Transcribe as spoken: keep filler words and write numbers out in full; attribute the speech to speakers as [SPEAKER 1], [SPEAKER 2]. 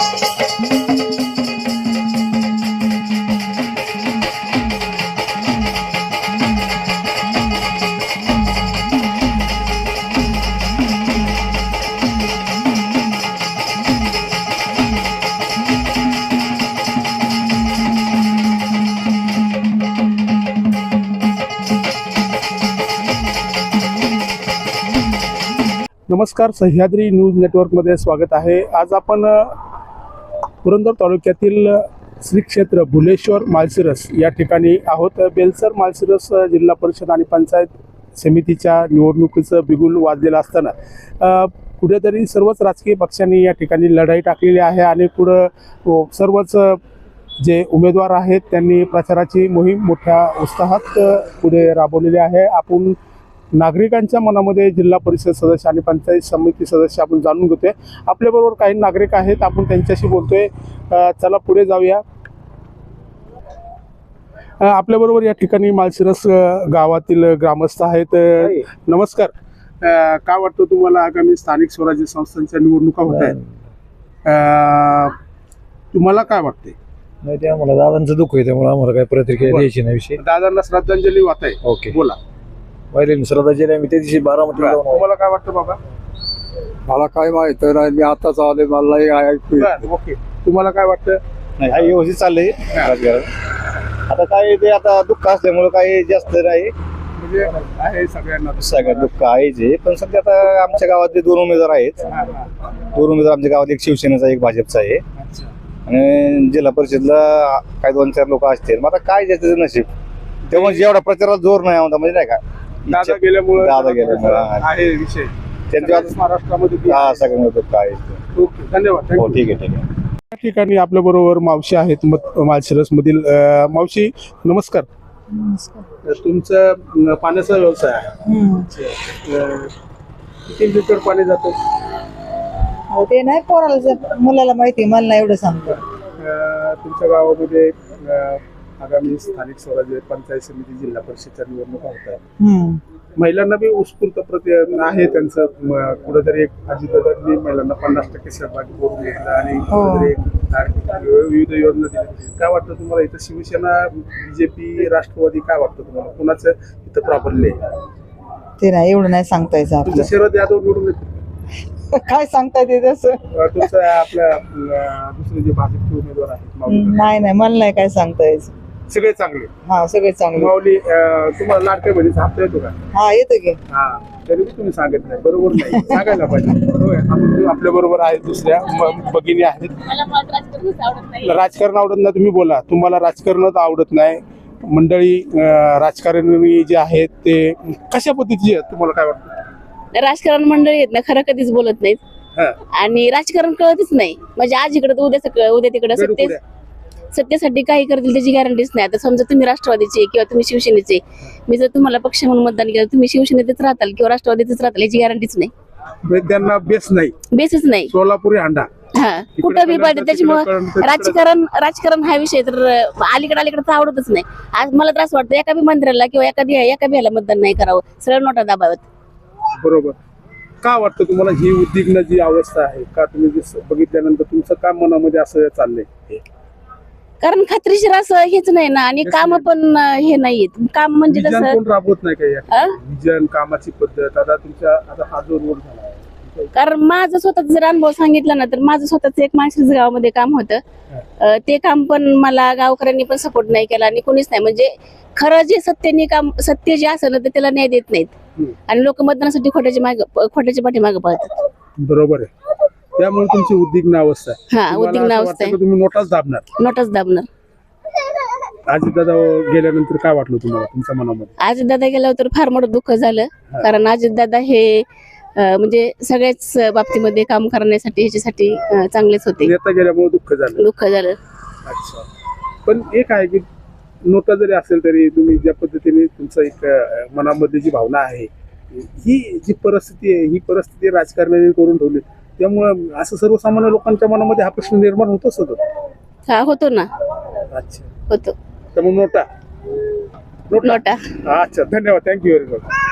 [SPEAKER 1] नमस्कार, सह्याद्री न्यूज नेटवर्कमध्ये स्वागत आहे। आज आपण पुरंदर तालुक्यातील श्री क्षेत्र भुलेश्वर माळशिरस या ठिकाणी आहोत। बेलसर माळशिरस जिल्हा परिषद आणि पंचायत समितीच्या निवडणुकीचं बिगुल वाजलेलं असताना कुठेतरी सर्वच राजकीय पक्षांनी या ठिकाणी लढाई टाकलेली आहे आणि पुढं सर्वच जे उमेदवार आहेत त्यांनी प्रचाराची मोहीम मोठ्या उत्साहात पुढे राबवलेली आहे। आपण नागरिकांच्या मनामध्ये जिल्हा परिषद सदस्य आणि पंचायत समिती सदस्य आपण जाणून घेतोय। आपल्याबरोबर काही नागरिक आहेत, आपण त्यांच्याशी बोलतोय। चला पुढे जाऊया। आपल्याबरोबर या ठिकाणी माळशिरस गावातील ग्रामस्थ आहेत। नमस्कार, काय वाटतं तुम्हाला आगामी स्थानिक स्वराज्य संस्थांच्या निवडणुका होत आहेत, तुम्हाला काय वाटतंय?
[SPEAKER 2] नाही, ते आम्हाला दादांचं दुःख आहे, त्यामुळे आम्हाला काही प्रतिक्रिया द्यायची नाही। विषय
[SPEAKER 1] दादांना श्रद्धांजली वाहत आहे।
[SPEAKER 2] ओके,
[SPEAKER 1] बोला।
[SPEAKER 2] पहिले श्रद्धांजली आम्ही त्या दिवशी बारामतीला जाऊन आलो।
[SPEAKER 1] तुम्हाला काय वाटतं बाबा?
[SPEAKER 3] मला काय माहित नाही, मी आताच आले, मला
[SPEAKER 1] बरं, ओके। तुम्हाला काय वाटतं?
[SPEAKER 2] नाही, हा व्यवस्थित चाललंय राजकारण। आता काय ते आता दुःख असल्यामुळे काही जास्त नाही,
[SPEAKER 1] म्हणजे आहे सगळ्यांना
[SPEAKER 2] सगळ्यात दुःख आहे जे, पण सध्या आता आमच्या गावातले दोन उमेदवार आहेत। दोन उमेदवार आमच्या गावात, एक शिवसेनेचा एक भाजपचा आहे आणि जिल्हा परिषदला काही दोन चार लोक असतील। मग आता काय ज्याचं नशीब, तेव्हा जेवढा प्रचाराला जोर नाही होता, म्हणजे नाही का,
[SPEAKER 1] दादा गेल्यामुळे
[SPEAKER 2] दादा गेल्यामुळे
[SPEAKER 1] आहे विषय
[SPEAKER 2] त्यांच्या
[SPEAKER 1] महाराष्ट्रामध्ये
[SPEAKER 2] हा सगळं दुःख आहे।
[SPEAKER 1] ओके, धन्यवाद।
[SPEAKER 2] हो, ठीक आहे, ठीक आहे।
[SPEAKER 1] या ठिकाणी आपल्या बरोबर मावशी आहेत माळशिरस मधील। मावशी नमस्कार। तुमचं पाण्याचा व्यवसाय आहे, किती लिटर पाणी जातं?
[SPEAKER 4] ते नाही पोराला मुलाला माहिती, मला नाही एवढं सांगतो।
[SPEAKER 1] तुमच्या गावामध्ये आगामी स्थानिक स्वराज्य पंचायत समिती जिल्हा परिषदच्या निवडणुका होत आहेत, महिलांना बी उत्स्फूर्त प्रति आहे त्यांचं। कुठेतरी एक अजितदादांनी महिलांना पन्नास टक्के सहभागी करून घेतला आणि कुठेतरी विविध योजना दिल्या। काय वाटतं तुम्हाला इथं शिवसेना, बीजेपी, राष्ट्रवादी, काय वाटतं तुम्हाला कुणाचं इथं प्राबल्य आहे?
[SPEAKER 4] ते नाही एवढं नाही सांगता यायचं
[SPEAKER 1] तुमचं
[SPEAKER 4] आपलं।
[SPEAKER 1] शरद यादव निवडून येते,
[SPEAKER 4] काय सांगता येते तसं?
[SPEAKER 1] तुमचं आपल्या दुसरे जे भाजपचे उमेदवार आहेत माऊली,
[SPEAKER 4] नाही नाही, मला नाही काय सांगता यायचं।
[SPEAKER 1] सगळे चांगले?
[SPEAKER 4] हा, सगळे चांगले।
[SPEAKER 1] माऊली, तुम्हाला लाडक्या बहिणीचा हप्ता येतो का?
[SPEAKER 4] हा, येतो की।
[SPEAKER 1] हा, तरी तुम्ही सांगत नाही, बरोबर नाही, सांगायला पाहिजे। होय, आपल्या बरोबर आहेत दुसऱ्या भगिनी आहेत। राजकारण आवडत नाही, तुम्ही बोला। तुम्हाला राजकारणच आवडत नाही। मंडळी राजकारणी जे आहेत ते कशा पद्धतीचे आहेत, तुम्हाला काय वाटतं?
[SPEAKER 5] राजकारण मंडळी आहेत ना, खरं कधीच बोलत नाहीत आणि राजकारण कळतच नाही। म्हणजे आज इकडे उद्या उद्या तिकडे सत्य सत्तेसाठी काही करतील त्याची गॅरंटीच नाही। आता समजा तुम्ही राष्ट्रवादीचे किंवा तुम्ही शिवसेनेचे, मी जर तुम्हाला पक्ष म्हणून मतदान केलं, तुम्ही शिवसेनेतच राहताल किंवा राष्ट्रवादीतच राहताल याची गॅरंटीच नाही।
[SPEAKER 1] त्यांना बेस नाही,
[SPEAKER 5] बेसच नाही।
[SPEAKER 1] सोलापुरी अंडा
[SPEAKER 5] हा, कुठं बी पाहिजे। त्याच्यामुळे राजकारण राजकारण हा विषय तर अलीकडे अलीकडे आवडतच नाही। आज मला त्रास वाटतो एका बी मंत्र्याला किंवा एखादी एका बी ह्याला मतदान नाही करावं, सरळ नोटा दाबावत।
[SPEAKER 1] बरोबर। का वाटतं तुम्हाला ही उद्विग्न जी अवस्था आहे, का तुम्ही बघितल्यानंतर तुमचं काम मनामध्ये असं चाललंय?
[SPEAKER 5] कारण खात्रीशीर असं हेच नाही ना, आणि काम पण हे नाहीयेत। काम म्हणजे
[SPEAKER 1] विजन कोण राबवत नाही का?
[SPEAKER 5] कसं
[SPEAKER 1] विजन, कामाची पद्धत, आता तुमच्या आता हा जो रोड झाला आहे,
[SPEAKER 5] कारण माझं स्वतःच जर अनुभव सांगितला ना, तर माझं स्वतःच एक माळशिरस गावामध्ये काम होतं। ते काम पण मला गावकऱ्यांनी पण सपोर्ट नाही केला आणि कोणीच नाही। म्हणजे खरं जे सत्याने काम, सत्य जे असं ना ते त्याला न्याय देत नाहीत आणि लोक मतदानासाठी खोट्याच्या मागे खोट्याच्या पाठीमागे पळतात।
[SPEAKER 1] बरोबर आहे, त्यामुळे तुमची उद्विग्न अवस्था आहे।
[SPEAKER 5] हा, उद्विग्न अवस्था आहे।
[SPEAKER 1] तुम्ही नोटाच दाबणार?
[SPEAKER 5] नोटाच दाबणार।
[SPEAKER 1] अजितदादा गेल्यानंतर काय वाटलं तुम्हाला तुमच्या मनामध्ये?
[SPEAKER 5] अजितदादा गेल्यावर तर फार मोठं दुःख झालं, कारण अजितदादा हे म्हणजे सगळ्याच बाबतीमध्ये काम करण्यासाठी ह्याच्यासाठी चांगलेच होते।
[SPEAKER 1] नेता गेल्यामुळे दुःख झालं?
[SPEAKER 5] दुःख झालं।
[SPEAKER 1] अच्छा, पण एक आहे की नोटा जरी असेल तरी तुम्ही ज्या पद्धतीने तुमचं एक मनामध्ये जी भावना आहे, ही जी परिस्थिती आहे, ही परिस्थिती राजकारण्यांनी करून ठेवली, त्यामुळे असं सर्वसामान्य लोकांच्या मनामध्ये हा प्रश्न निर्माण होतच होतो।
[SPEAKER 5] हा, होतो ना।
[SPEAKER 1] अच्छा,
[SPEAKER 5] होतो।
[SPEAKER 1] त्यामुळे नोटा
[SPEAKER 5] नोटा।
[SPEAKER 1] अच्छा, धन्यवाद, थँक्यू व्हेरी मच।